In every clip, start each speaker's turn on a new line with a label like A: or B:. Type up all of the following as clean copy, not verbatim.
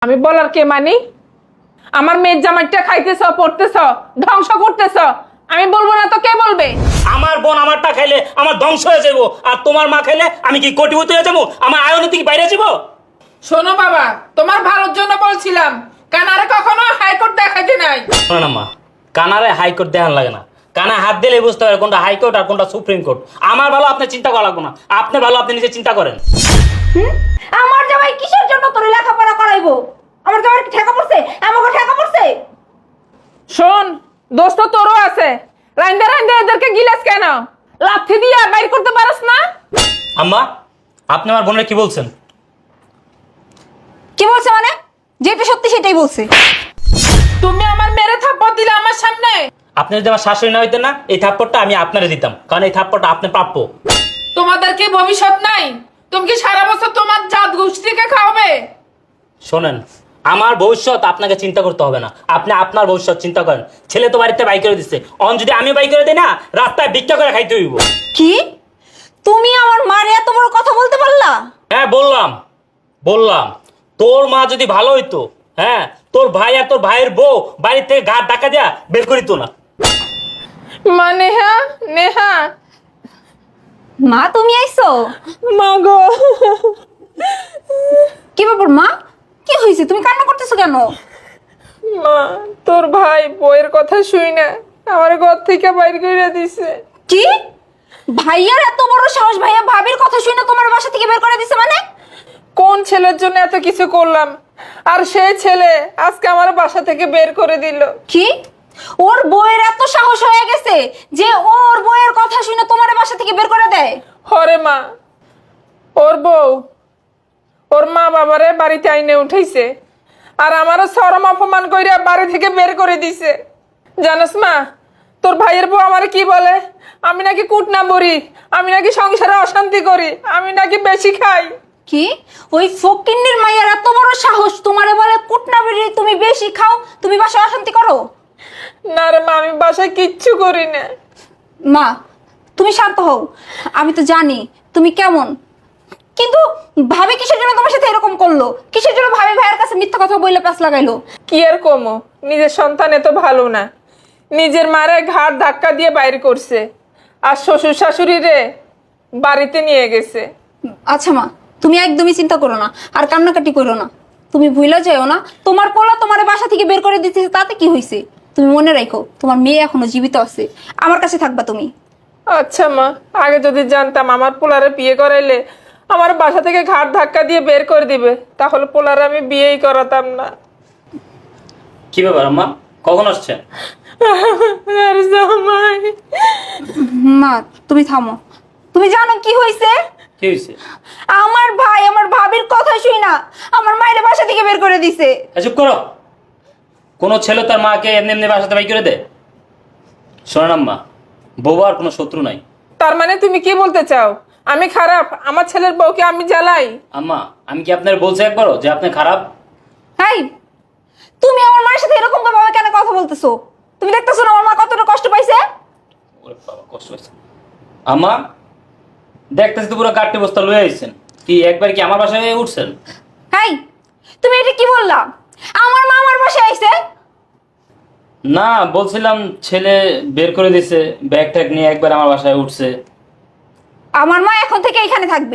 A: আমি বলার কে মানি? আমার মেয়ের জামাইটা খাইতেছ, পড়তেছ, ধ্বংস করতেছ, আমি বলবো না তো কে বলবে?
B: আমার বোন আমারটা খাইলে আমার ধ্বংস হয়ে যাবো, আর তোমার মা খাইলে আমি কি কোটিপতি হয়ে যাবো? আমার আয়নীতি কি বাইরে যাবো?
A: শোনো বাবা, তোমার ভালোর জন্য বলছিলাম, কানারে কখনো হাইকোর্ট দেখাইতে নাই।
B: শোনো না মা, কানারে হাইকোর্ট দেখান লাগে না, কানা হাত দিলে বুঝতে পারে কোনটা হাইকোর্ট আর কোনটা সুপ্রিম কোর্ট। আমার ভালো আপনি চিন্তা করা লাগবে না, আপনি ভালো আপনি নিজে চিন্তা করেন।
C: আমার জামাই কিসের জন্য তোর লেখাপড়া করাইবো? আমার জামাই কি ঠেকা পড়ছে? আমাকে ঠেকা পড়ছে?
A: শোন, দোস্ত তোরও আছে, রাইন্দা রাইন্দা এদেরকে গিলাস কেন? লাথি দিয়া বাইর করতে পারস না?
B: আম্মা, আপনি আমার বোনের কি বলছেন?
C: কি বলছে মানে? যেটা সত্যি সেটাই বলছে।
A: তুমি আমার মেরে থাপ্পড় দিলে আমার সামনে।
B: আপনি যদি আমার শাশুড়ি না হইতেন না, এই থাপ্পড়টা আমি আপনারে দিতাম, কারণ এই থাপ্পড়টা আপনি প্রাপ্য।
A: তোমাদের কি ভবিষ্যৎ নাই? তুমি কি সারা বছর তোমার জাত গোষ্ঠীকে খাওয়াবে?
B: শোনেন, আমার ভবিষ্যৎ আপনাকে চিন্তা করতে হবে না, আপনি আপনার ভবিষ্যৎ চিন্তা করেন। ছেলে তো বাড়িতে বাই করে দিচ্ছে, অন যদি আমি বাই করে দিই না, রাস্তায় ভিক্ষা করে খাইতে হইব।
C: কি? তুমি আমার মার এত বড় কথা বলতে পারলা?
B: হ্যাঁ বললাম তোর মা যদি ভালো হইতো, হ্যাঁ, তোর ভাই আর তোর ভাইয়ের বউ বাড়ি থেকে ঘাট ডাকা দিয়া বের করিত না।
A: মা নেহা, নেহা,
C: মা তুমি আইছো?
A: মা গো।
C: কি ব্যাপার মা? কি হয়েছে? তুমি কান্না করতেছো কেন?
A: মা, তোর ভাই বইয়ের কথা শুই না আমার ঘর থেকে বাইর করে দিছে।
C: কি? ভাইয়ার এত বড় সাহস, ভাইয়া ভাবির কথা শুনে তোমার বাসা থেকে বের করে দিছে মানে?
A: কোন ছেলের জন্য এত কিছু করলাম, আর সেই ছেলে আজকে আমার বাসা থেকে বের করে দিল।
C: কি? ওর বউয়ের এত সাহস হয়ে গেছে যে ওর বউয়ের কথা শুনে তোমার বাসা থেকে বের করে দেয়?
A: হরে মা, ওর বউ ওর মা বাবারে বাড়িতে আইনে উঠাইছে, আর আমারও শরম অপমান কইরা বাড়ি থেকে বের করে দিছে। জানোস মা, তোর ভাইয়ের বউ আমারে কি বলে? আমি নাকি কুট না বড়ি, আমি নাকি সংসারে অশান্তি করি, আমি নাকি বেশি খাই।
C: কি? ওই ফকিন্নির মাইয়ার এত বড় সাহস তোমারে বলে কুটনা বেরি তুমি বেশি খাও, তুমি বাসায় অশান্তি করো?
A: না রে মা, আমি বাসায় কিচ্ছু করি না।
C: মা তুমি শান্ত হও, আমি তো জানি তুমি কেমন, কিন্তু ভাবি কিসের জন্য তোমার সাথে এরকম করলো? কিসের জন্য ভাবি ভাইয়ের কাছে মিথ্যা কথা বইলে প্যাস লাগাইলো?
A: কি আর কমো, নিজের সন্তান এত ভালো না, নিজের মারে ঘাট ধাক্কা দিয়ে বাইরে করছে, আর শ্বশুর শাশুড়ি রে বাড়িতে নিয়ে গেছে।
C: আচ্ছা মা, তুমি একদমই চিন্তা করো না, আর কান্নাকাটি করো না। তুমি ভুলে যাও না, তোমার পোলা তোমার বাসা থেকে বের করে দিতেছে, তাতে কি হয়েছে? তুমি মনে রাখো তোমার মেয়ে এখনো জীবিত আছে, আমার কাছে থাকবা তুমি।
A: আচ্ছা মা, আগে যদি জানতাম আমার পোলারে বিয়ে করাইলে আমার বাসা থেকে ঘাট ধাক্কা দিয়ে বের করে দিবে, তাহলে পোলারে আমি বিয়েই করাতাম না।
B: কি ব্যাপার আম্মা, কখন আসছেন?
A: আর জামাই,
C: মা তুমি থামো, তুমি জানো কি হয়েছে?
B: কি হয়েছে?
C: আমার ভাই আমার ভাবির কথা শুই না আমার মায়ের বাসা থেকে বের করে দিছে।
B: চুপ করো। কোনো ছেলে তার মাকে এমনি এমনি বাসাতে বাই করে দে? শোনেন আম্মা, বউবার কোনো শত্রু নাই।
A: তার মানে তুমি কি বলতে চাও আমি খারাপ? আমার ছেলের বউকে আমি জ্বালাই?
B: আম্মা, আমি কি আপনার বলছি একবারও যে আপনি খারাপ?
C: হাই, তুমি আমার মায়ের সাথে এরকম ভাবে কেন কথা বলতেছো? তুমি দেখতেছো না আমার মা কতটা কষ্ট পাইছে?
B: ওরে বাবা, কষ্ট হয়েছে। আম্মা, দেখতেছি তো পুরো গাড়ি বস্তা লয়ে আইছেন, কি একবার কি আমার বাসায় উঠছেন?
C: হাই, তুমি এটা কি বললা? আমার মা আমার বাসায় আইছে?
B: না, বলছিলাম ছেলে বের করে দিছে, ব্যাগ ট্যাগ নিয়ে একবার আমার বাসায় উঠছে।
C: আমার মা এখন থেকে এখানে থাকবে।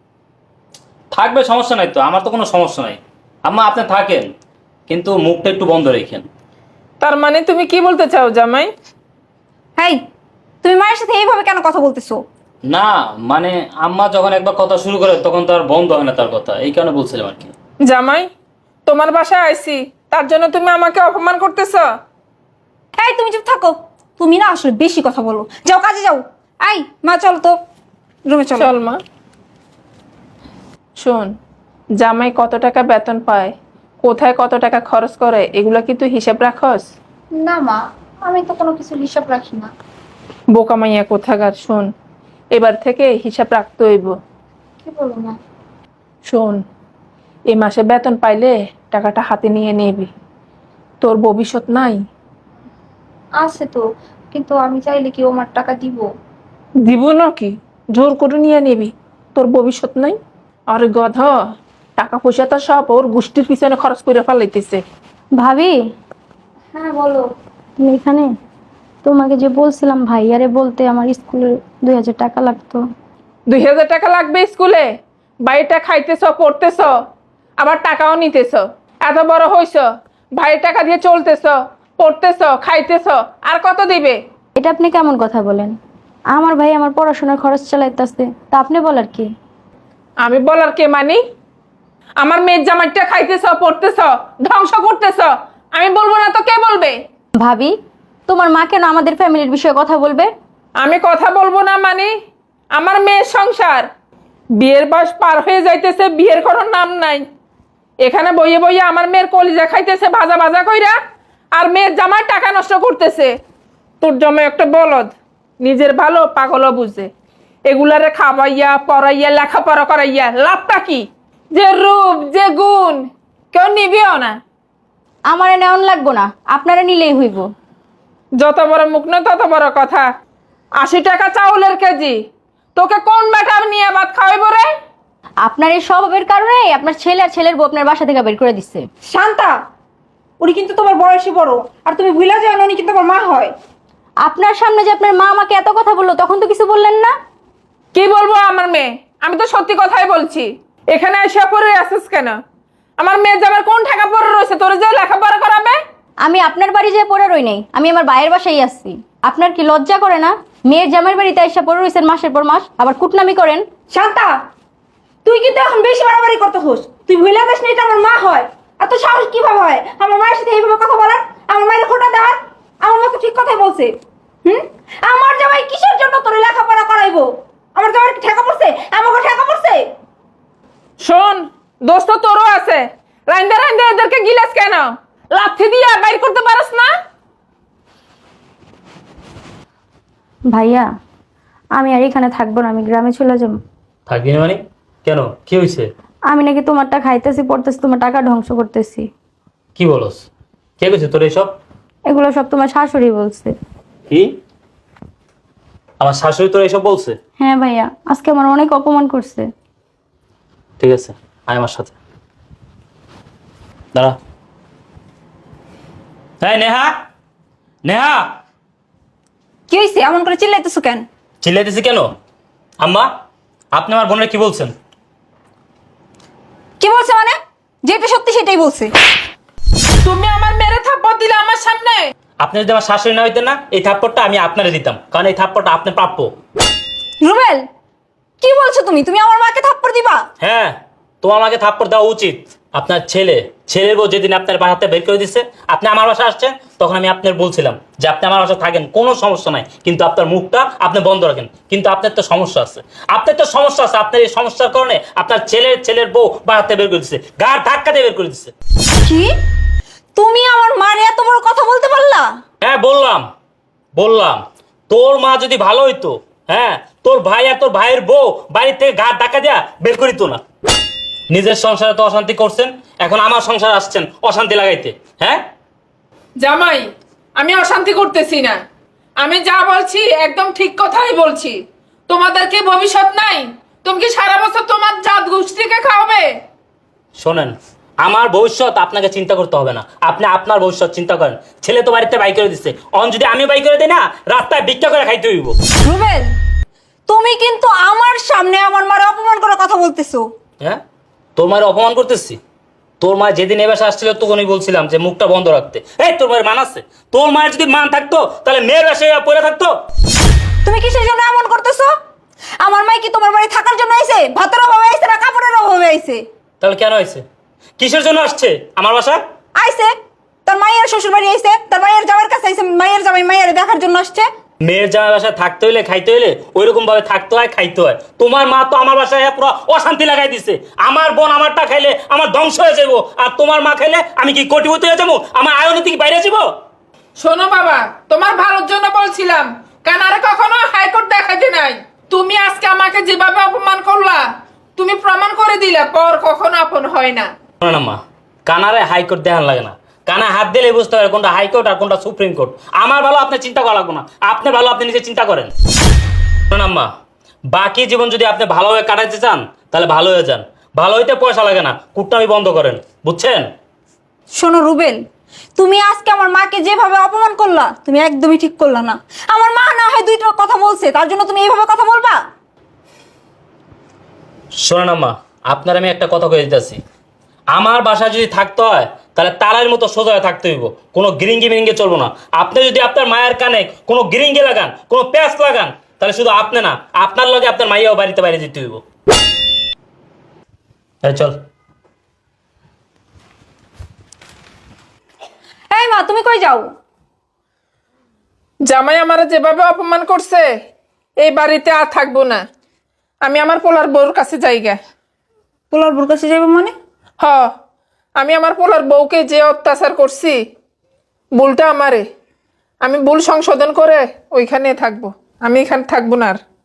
B: থাকবে, সমস্যা নাই তো, আমার তো কোনো সমস্যা নাই। আম্মা আপনি থাকেন, কিন্তু মুখটা একটু বন্ধ রেখেন।
A: তার মানে তুমি কি বলতে চাও জামাই?
C: হাই, তুমি মায়ের সাথে এইভাবে কেন কথা বলতেছো?
B: না মানে আম্মা যখন একবার কথা শুরু করে তখন তো আর বন্ধ হয় না তার কথা, এই কারণে বলছিলাম আর কি।
A: জামাই, তোমার বাসায় আইছি তার জন্য তুমি আমাকে অপমান করতেছ?
C: এই তুমি চুপ থাকো, তুমি না আসলে বেশি কথা বলো, যাও কাজে যাও। আই মা চল তো রুমে চল।
A: চল মা। শোন, জামাই কত টাকা বেতন পায়, কোথায় কত টাকা খরচ করে, এগুলো কি তুই হিসাব রাখস?
C: না মা, আমি তো কোনো কিছু হিসাব রাখি না।
A: বোকা মাইয়া কোথাকার। শোন, এবার থেকে হিসাব রাখতে হইব।
C: কি বলো মা?
A: শোন, এই মাসে বেতন পাইলে টাকাটা হাতে নিয়ে নিবি, তোর ভবিষ্যৎ নাই।
C: আছে তো, কিন্তু আমি চাইলে কি আমার টাকা দিব?
A: দিব নাকি? জোর করে নিয়ে নিবি, তোর ভবিষ্যৎ নাই। আর গধ, টাকা পয়সা তো সব ওর গোষ্ঠীর পিছনে খরচ করে ফেলাইতেছে।
D: ভাবি, হ্যাঁ বলো। তুমি এখানে? তোমাকে যে বলছিলাম ভাইয়ারে বলতে আমার স্কুলে 2000 টাকা লাগতো।
A: 2000 টাকা লাগবে স্কুলে? বাড়িটা খাইতেছ, পড়তেছ, আবার টাকাও নিতেছ। এত বড় হইছ, ভাইয়ের টাকা দিয়ে চলতেছ, পড়তেছ, খাইতেছ, আর কত দিবে?
D: এটা আপনি কেমন কথা বলেন? আমার ভাই আমার পড়াশোনার খরচ চালাইতেছে, তা আপনি বলার কি?
A: আমি বলার কে মানি? আমার মেয়ের জামাইটা খাইতেছ, পড়তেছ, ধ্বংস করতেছ, আমি বলবো না তো কে বলবে?
D: ভাবি, তোমার মা কেন আমাদের ফ্যামিলির বিষয়ে কথা বলবে?
A: আমি কথা বলবো না মানে? আমার মেয়ের সংসার, বিয়ের বয়স পার হয়ে যাইতেছে, বিয়ের কোনো নাম নাই। এখানে বইয়ে বইয়ে আমার মেয়ের কলিজা খাইতেছে ভাজা ভাজা কইরা, আর মেয়ের জামার টাকা নষ্ট করতেছে। তোর জামাই একটা বলদ, নিজের ভালো পাগলও বুঝে। এগুলারে খাওয়াইয়া পড়াইয়া লেখাপড়া করাইয়া লাভটা কি? যে রূপ, যে গুণ, কেউ নিবিও না।
D: আমার নেওয়ান লাগবো না, আপনারা নিলেই হইব।
A: যত বড় মুখ না তত বড় কথা। 80 টাকা চাউলের কেজি, তোকে কোন বেটা নিয়ে ভাত খাওয়াইব রে?
D: আপনার এই স্বভাবের কারণে আপনার ছেলে আর ছেলের বউ আপনার বাসা থেকে বের করে দিচ্ছে।
C: শান্তা, উনি কিন্তু তোমার বয়সী বড়, আর তুমি ভুলে যাও না উনি কিন্তু আমার মা হয়।
D: আপনার সামনে যে আপনার মা আমাকে এত কথা বললো, তখন তো কিছু বললেন না?
A: কি বলবো আমার মেয়ে? আমি তো সত্যি কথাই বলছি। এখানে এসে পড়ে আসিস কেন? আমার মেয়ে যাবার কোন টাকা পড়ে রয়েছে তোর যে লেখাপড়া করাবে?
D: আমি আপনার বাড়ি যেয়ে পড়ে রই নাই, আমি আমার ভাইয়ের বাসায় আসছি। আপনার কি লজ্জা করে না? মেয়ের জামাইয়ের বাড়িতে এসে পড়ে রয়েছেন মাসের পর মাস, আবার কুটনামি করেন।
C: শান্তা, তুই কিন্তু এখন বেশি বাড়াবাড়ি করতে হোস। তুই ভুলে যাস না এটা আমার মা হয়। আর তোর সাহস কিভাবে হয় আমার মায়ের সাথে এইভাবে কথা বলার? আমার মায়ের খোটা দেওয়ার? আমার মা তো ঠিক কথাই বলছে। আমার জামাই কিসের জন্য তোর লেখাপড়া করাইবো? আমার জামাই কি ঠেকা পড়ছে? আমাকে ঠেকা পড়ছে?
A: শোন, দোস্ত তোরও আছে। রাইন্দা রাইন্দা এদেরকে গিলাস কেন? লাথি দিয়া বাইর করতে পারস না?
D: ভাইয়া, আমি আর এখানে থাকবো না, আমি গ্রামে চলে যাবো।
B: থাকবি না মানে? কেন, কি হয়েছে?
D: আমি নাকি তোমারটা খাইতেছি, পড়তেছি, তোমার টাকা ধ্বংস করতেছি।
B: কি বলস? কে কইছে তোর এসব?
D: এগুলো সব তোমার শাশুড়ি বলছে।
B: কি? আমার শাশুড়ি তোর এসব বলছে?
D: হ্যাঁ ভাইয়া, আজকে আমার অনেক অপমান করছে।
B: ঠিক আছে, আয় আমার সাথে। দাঁড়া। হ্যাঁ নেহা, নেহা,
C: কি হয়েছে? এমন করে চিল্লাইতেছো কেন?
B: চিল্লাইতেছি কেন? আম্মা, আপনি আমার বোনের কি বলছেন?
C: কি বলছে মানে? যেটা সত্যি সেটাই বলছে।
A: তুমি আমার মেরে থাপ্পড় দিলে আমার সামনে?
B: আপনি যদি আমার শাশুড়ি না হইতেন না, এই থাপ্পড়টা আমি আপনারে দিতাম, কারণ এই থাপ্পড়টা আপনি প্রাপ্য।
C: রুবেল, কি বলছো তুমি? তুমি আমার মাকে থাপ্পড় দিবা?
B: হ্যাঁ, তোমার আমাকে থাপ্পড় দেওয়া উচিত। আপনার ছেলের বউ যেদিন আপনার বাসাতে বের করে দিচ্ছে, আপনি আমার বাসায় আসছেন, তখন আমি আপনার বলছিলাম যে আপনি আমার বাসায় থাকেন, কোনো সমস্যা নাই, কিন্তু আপনার মুখটা আপনি বন্ধ রাখেন। কিন্তু আপনার তো সমস্যা আছে, আপনার এই সমস্যার কারণে আপনার ছেলের বউ বাসাতে বের করে দিচ্ছে, গাড় ধাক্কা দিয়ে বের করে দিচ্ছে।
C: কি? তুমি আমার মার এত বড় কথা বলতে পারলা?
B: হ্যাঁ বললাম, তোর মা যদি ভালো হইতো, হ্যাঁ, তোর ভাই আর তোর ভাইয়ের বউ বাড়ির থেকে গাড় ধাক্কা দিয়া বের করিত না। নিজের সংসারে তো অশান্তি করছেন, এখন আমার সংসার আসছেন অশান্তি লাগাইতে। হ্যাঁ
A: জামাই, আমি অশান্তি করতেছি না। আমি যা বলছি একদম ঠিক কথাই বলছি। তোমাদের কি ভবিষ্যৎ নাই? তুমি কি সারা বছর তোমার জাত গোষ্ঠীকে খাওয়াবে?
B: শোনেন, আমার ভবিষ্যৎ আপনাকে চিন্তা করতে হবে না, আপনি আপনার ভবিষ্যৎ চিন্তা করেন। ছেলে তো বাড়িতে বাই করে দিচ্ছে, অন যদি আমি বাই করে দিই না, রাস্তায় ভিক্ষা করে খাইতে হইব।
C: রুবেল, তুমি কিন্তু আমার সামনে আমার মার অপমান করার কথা বলতেছো।
B: হ্যাঁ, তোর মায়ের অপমান করতেছি? তোর মা যেদিন এ বাসায় আসছিল তখনই বলছিলাম যে মুখটা বন্ধ রাখতে। এই তোর মায়ের মান আছে? তোর মায়ের যদি মান থাকতো তাহলে মেয়ের বাসায় পড়ে থাকতো।
C: তুমি কিসের জন্য এমন করতেছো? আমার মাই কি তোমার বাড়ি থাকার জন্য আইছে? ভাতের অভাবে আইছে না কাপড়ের অভাবে আইছে?
B: তাহলে কেন হয়েছে? কিসের জন্য আসছে আমার বাসায়?
C: আইছে, তার মায়ের শ্বশুর বাড়ি আইছে, তার মায়ের জামাইয়ের কাছে আইছে, মায়ের জামাই মায়ের দেখার জন্য আসছে।
B: মেয়ের জামাই বাসায় থাকতে হইলে খাইতে হইলে ওইরকম ভাবে থাকতে হয়, খাইতে হয়। তোমার মা তো আমার বাসায় পুরো অশান্তি লাগাই দিছে। আমার বোন আমারটা খাইলে আমার ধ্বংস হয়ে যাবো, আর তোমার মা খাইলে আমি কি কোটিপতি হয়ে যাবো? আমার আয়নীতি কি বাইরে যাবো?
A: শোনো বাবা, তোমার ভালোর জন্য বলছিলাম, কানারে কখনো হাইকোর্ট দেখাইতে নাই। তুমি আজকে আমাকে যেভাবে অপমান করলা, তুমি প্রমাণ করে দিলে পর কখনো আপন হয় না।
B: না মা, কানারে হাইকোর্ট দেখান লাগে না, কানা হাত দিলে বুঝতে পারে কোনটা হাইকোর্ট আর কোনটা সুপ্রিম কোর্ট। আমার ভালো আপনি চিন্তা করা লাগবে না, আপনি ভালো আপনি নিজে চিন্তা করেন। না মা, বাকি জীবন যদি আপনি ভালোভাবে কাটাইতে চান তাহলে ভালো হয়ে যান, ভালো হইতে পয়সা লাগে না, কুটনামি বন্ধ করেন, বুঝছেন?
C: শোনো রুবেল, তুমি আজকে আমার মাকে যেভাবে অপমান করলা তুমি একদমই ঠিক করলা না। আমার মা না হয় দুইটা কথা বলছে, তার জন্য তুমি এইভাবে কথা বলবা?
B: শোনেন আম্মা, আপনার আমি একটা কথা কয়ে দিতেছি, আমার বাসায় যদি থাকতে হয় তাহলে তালার মতো সোজা হয়ে থাকতে হইব, কোনো গিরিঙ্গি মিরিঙ্গে চলবো না। আপনি যদি আপনার মায়ের কানে কোনো গিরিঙ্গি লাগান, কোনো প্যাঁচ লাগান, তাহলে শুধু আপনি না, আপনার লগে আপনার মাইয়াও বাড়িতে বাইরে যেতে হইব। এই চল।
C: এই মা, তুমি কই যাও?
A: জামাই আমার যেভাবে অপমান করছে এই বাড়িতে আর থাকবো না। আমি আমার পোলার বউর কাছে যাইগা।
C: পোলার বোর কাছে যাবে মানে?
A: হ, আমি আমার পোলার বউকে যে অত্যাচার করছি, ভুলটা আমারে। আমি ভুল সংশোধন করে ওইখানে থাকবো, আমি এখানে থাকবো না আর।